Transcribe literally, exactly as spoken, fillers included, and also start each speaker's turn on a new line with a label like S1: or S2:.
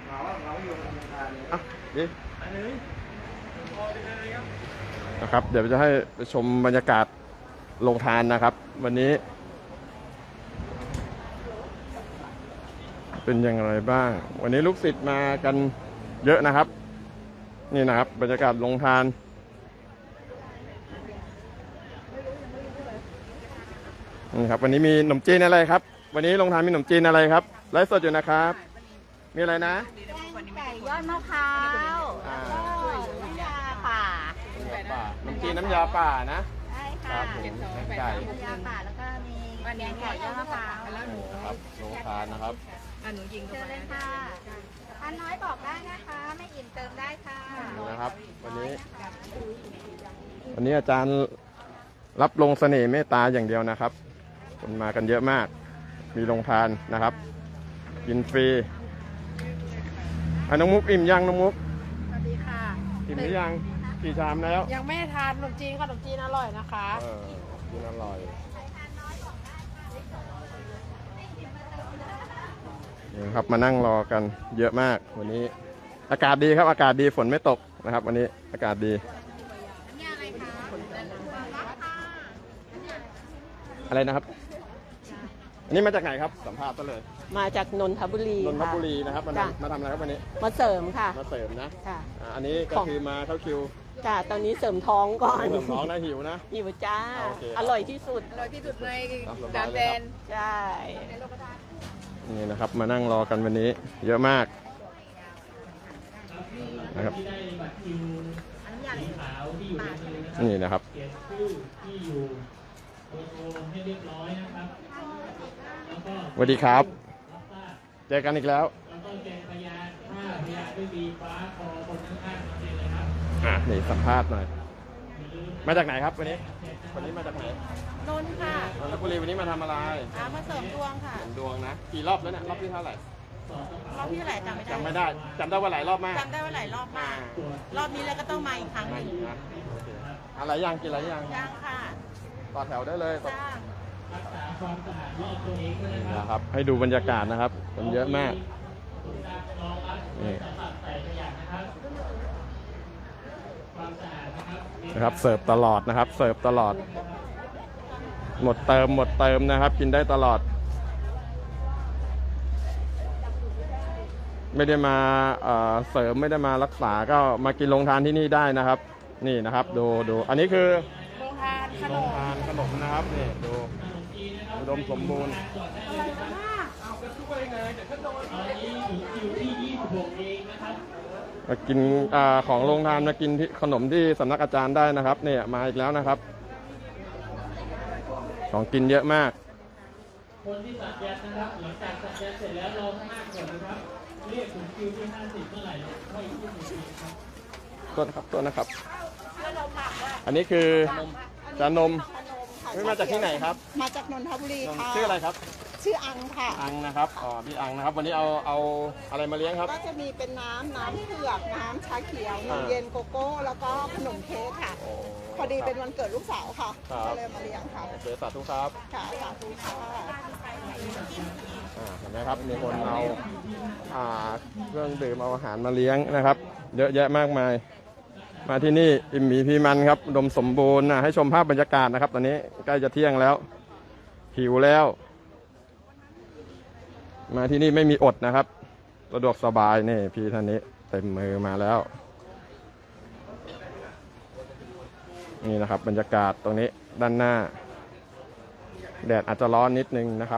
S1: อ่ะดีนะครับเดี๋ยวจะให้ไปชมบรรยากาศโรงทานนะครับวันนี้เป็นอย่างไรบ้างวันนี้ลูกศิษย์มากันเยอะนะครับนี่นะครับบรรยากาศโรงทานนี่ครับวันนี้มีขนมจีนอะไรครับวันนี้โรงทานมีขนมจีนอะไรครับไลฟ์สดอยู่นะครับมีอะไรนะ
S2: ไก่ยอดมะพร้าวน้ำยาป่า
S1: ขนมจีนน้ำยาป่านะ
S2: ใช่ค่ะ
S1: ไก่
S2: น้ำยาป่าแล้วก็มีแกงไก่ยอดมะพร้าว
S1: ครับโรงทานนะครับ
S2: หนูยิงเจอเลยค่ะทานน้อยบอกได้นะคะไม่อิ่มเติมได้ค่ะ
S1: นะครับวันนี้วันนี้อาจารย์รับลงเสน่ห์เมตตาอย่างเดียวนะครับคนมากันเยอะมากมีโรงทานนะครับกินฟรีอ่ะน้องมุกอิ่มยังน้องมุก
S2: สวัสดีค่ะ
S1: อิ่มหรือยังกี่ชามแล้ว
S2: ยังไม่ทานขนมจีนขนมจีนอร่อยนะคะ
S1: เออกินอร่อยนี่ครับมานั่งรอกันเยอะมากวันนี้อากาศดีครับอากาศดีฝนไม่ตกนะครับวันนี้อากาศดีอะไรนะครับอันนี้มาจากไหนครับสัมภาษณ์ซะเลย
S2: มาจากนนทบุรี
S1: นนทบุรีนะครับมามาทำอะไรครับวันนี้
S2: มาเสริมค่ะ
S1: มาเสริมนะ
S2: ค่ะ
S1: อันนี้ก็คือมาเข้าคิว
S2: จ้าตอนนี้เสริมท้องก่อน
S1: เสริมท้องนะหิวนะ
S2: หิวจ้าอร่อยที่สุด
S3: อร่อยที่สุดในดามแดน
S2: ใช่
S1: นี่นะครับมานั่งรอกันวันนี้เยอะมากนะครับนี่นะครับสวัสดีครับเจอกันอีกแล้วอ่ะนี่สัมภาษณ์หน่อยมาจากไหนครับวันนี้วันนี้มาจากไหน
S2: นนท์ค่ะ
S1: นนทบุรีวันนี้มาทำอะไร
S2: มาเสริมดวงค่ะ
S1: เสริมดวงนะกี่รอบแล้วเนี่ยรอบที่เท่าไหร่
S2: รอบที่เท่าไหร่จำไม่ได้
S1: จำไม่ได้จำได้ว่าหลายรอบมาก
S2: จำได้ว่าหลายรอบมากรอบนี้แล้วก็ต้องมาอีกครั้งหนึ่ง
S1: อะไรยังกินอะไรยัง
S2: ยังค่ะ
S1: ต่อแถวได้เลยนะครับให้ดูบรรยากาศนะครับคนเยอะมากนี่นะครับเสิร์ฟตลอดนะครับเสิร์ฟตลอดหมดเติมหมดเติมนะครับกินได้ตลอดไม่ได้มาเสริมไม่ได้มารักษาก็มากินโรงทานที่นี่ได้นะครับนี่นะครับดูดูอันนี้คือ
S2: โรงทานขนม
S1: ทานขนมนะครับนี่ดูอุดมสมบูรณ์มากินอของโรงทานมากินที่ขนมที่สำนักอาจารย์ได้นะครับเนี่ยมาอีกแล้วนะครับของกินเยอะมากคนที่สัญญานะครับหลังจากสัญญาเสร็จแล้วรอข้างหน้าก่อนนะครับเรียกถึงคิวที่ห้าสิบเมื่อไหร่ค่อยขึ้นอีกทีครับต้นครับต้นนะครับอันนี้คือจานมไม่มาจากที่ไหนครับ
S2: มาจากนนทบุรีค่ะ
S1: ชื่ออะไรครับ
S2: ชื่ออังค่ะ
S1: อังนะครับอ๋อพี่อังนะครับวันนี้เอาเอาอะไรมาเลี้ยงครับ
S2: ก็จะมีเป็นน้ำน้ำเผือกน้ำชาเขียวนมเย็นโกโก้แล้วก็ขนมเค้กค่ะพอดีเป็นวันเกิดลูกสาวค่ะก็เลยมาเลี้ยงค่ะ
S1: เจอสาธุครับ
S2: ค่ะสาธุค่ะ
S1: เห็นไหมครับมีคนเอาเครื่องดื่มเอาอาหารมาเลี้ยงนะครับเยอะแยะมากมายมาที่นี่อิ่มหมีพีมันครับอุดมสมบูรณ์นะให้ชมภาพบรรยากาศนะครับตอนนี้ใกล้จะเที่ยงแล้วหิวแล้วมาที่นี่ไม่มีอดนะครับสะดวกสบายนี่พี่ท่านนี้เต็มมือมาแล้วนี่นะครับบรรยากาศตรงนี้ด้านหน้าแดดอาจจะร้อนนิดนึงนะครับ